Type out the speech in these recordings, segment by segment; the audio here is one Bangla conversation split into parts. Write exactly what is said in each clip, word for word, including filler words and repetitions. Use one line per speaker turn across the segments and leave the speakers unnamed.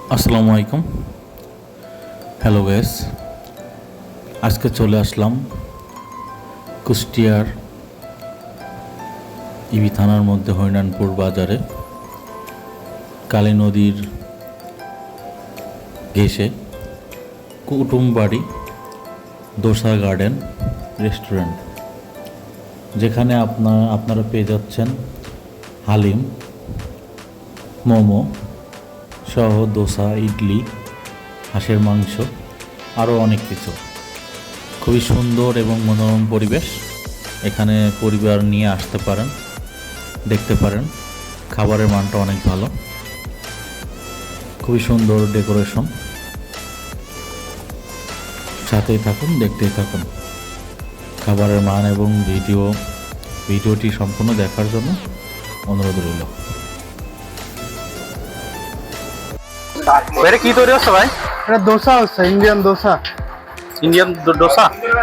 আসসালামু আলাইকুম। হ্যালো গাইস, আজকে চলে আসলাম কুষ্টিয়ার ইবি থানার মধ্যে হরিনানপুর বাজারে কালী নদীর ঘেঁষে কুটুমবাড়ি দোসা গার্ডেন রেস্টুরেন্ট, যেখানে আপনার আপনারা পেয়ে যাচ্ছেন হালিম, মোমো সহ দোসা, ইডলি, হাঁসের মাংস, আরও অনেক কিছু। খুবই সুন্দর এবং মনোরম পরিবেশ। এখানে পরিবার নিয়ে আসতে পারেন, দেখতে পারেন। খাবারের মানটা অনেক ভালো, খুবই সুন্দর ডেকোরেশন। সাথেই থাকুন, দেখতেই থাকুন খাবারের মান এবং ভিডিও ভিডিওটি সম্পূর্ণ দেখার জন্য অনুরোধ রইল।
এটা কি তৈরি হচ্ছে ভাই?
এটা দোসা হচ্ছে, ইন্ডিয়ান দোসা।
ইন্ডিয়ান ডোসা।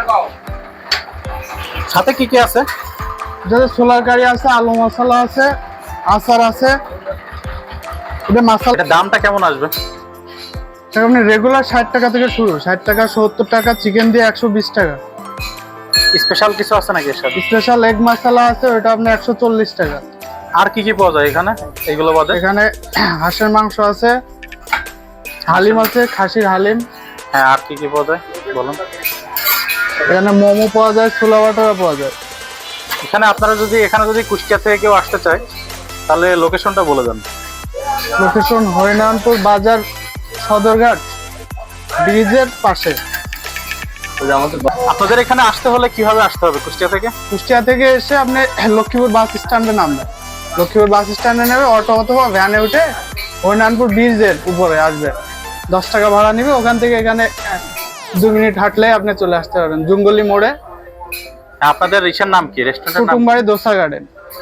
সাথে কি কি আছে?
এটাতে ছোলার কারি আছে, আলু মশলা আছে, আচার আছে। এটা মশলা।
এটা দামটা কেমন আসবে?
আপনি রেগুলার ষাট টাকা থেকে শুরু, ষাট টাকা, সত্তর টাকা। চিকেন দিয়ে একশো বিশ টাকা।
স্পেশাল কিছু আছে নাকি এর সাথে?
স্পেশাল এগ মশলা আছে, ওটা আপনি একশো চল্লিশ টাকা।
আর কি কি পাওয়া যায় এখানে এইগুলো বাদে?
এখানে হাঁসের মাংস আছে, হালিম আছে, খাসির হালিম।
হ্যাঁ, আর কি কি পাওয়া যায় বলুন।
এখানে মোমো পাওয়া যায়, ছোলা বাটারা পাওয়া যায়।
এখানে আপনারা যদি এখানে যদি কুষ্টিয়া থেকে কেউ আসতে চায় তাহলে লোকেশনটা বলে দেন।
লোকেশন হরিনানপুর বাজার, সদরঘাট ব্রিজের পাশে।
আপনাদের এখানে আসতে হলে কিভাবে আসতে হবে কুষ্টিয়া থেকে?
কুষ্টিয়া থেকে এসে আপনি লক্ষ্মীপুর বাস স্ট্যান্ডে নামবেন। লক্ষ্মীপুর বাস স্ট্যান্ডে নেবে, অটো অথবা ভ্যানে উঠে হরিনানপুর ব্রিজের উপরে আসবে। দশ টাকা ভাড়া নিবে। ওখান থেকে এখানে দু মিনিট হাঁটলে আপনি চলে আসতে পারবেন জঙ্গলি মোড়ে।
আপনাদের ইসের নাম কি? রেস্টুরেন্টের নাম?
কুটুমবাড়ি দোসা গার্ডেন।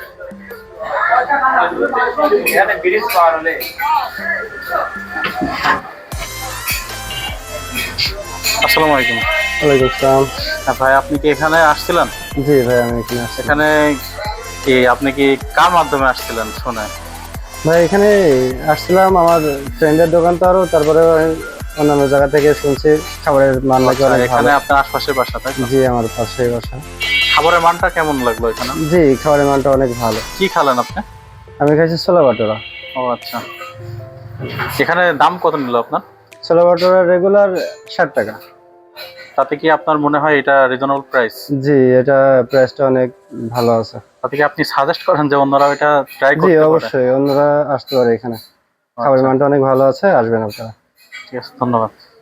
আসসালামু আলাইকুম।
ওয়ালাইকুম আসসালাম।
হ্যাঁ ভাই, আপনি কি এখানে আসছিলেন?
জি ভাই, আমি এখানে আসছি।
এখানে কি আপনি কি কার মাধ্যমে আসছিলেন শুনে?
ভাই এখানে আসছিলাম আমার ফ্রেন্ডের দোকান, তো আরো তারপরে অন্যান্য জায়গা থেকে শুনছি খাবারের মান নাকি অনেক ভালো।
এখানে আপনার আশপাশে বাসা, তাই তো?
জি, আমার পাশেই বাসা।
খাবারের মানটা কেমন লাগলো এখানে?
জি, খাবারের মানটা অনেক ভালো।
কি খালেন আপনি?
আমি খাইছি ছোলা বাটোরা।
ও আচ্ছা, এখানে দাম কত নিল আপনার?
ছোলা বাটোরা রেগুলার ষাট টাকা।
তাতে কি আপনার মনে হয় এটা রিজনেবল প্রাইস?
জি, এটা প্রাইসটা অনেক ভালো আছে।
তাতে কি আপনি সাজেস্ট করেন যে অন্যরা এটা ট্রাই করতে
জি
পারে?
অবশ্যই, অন্যরা আসতে পারে এখানে। খাবারের মানটা অনেক ভালো আছে, আসবেন আপনারা।
ঠিক আছে, ধন্যবাদ।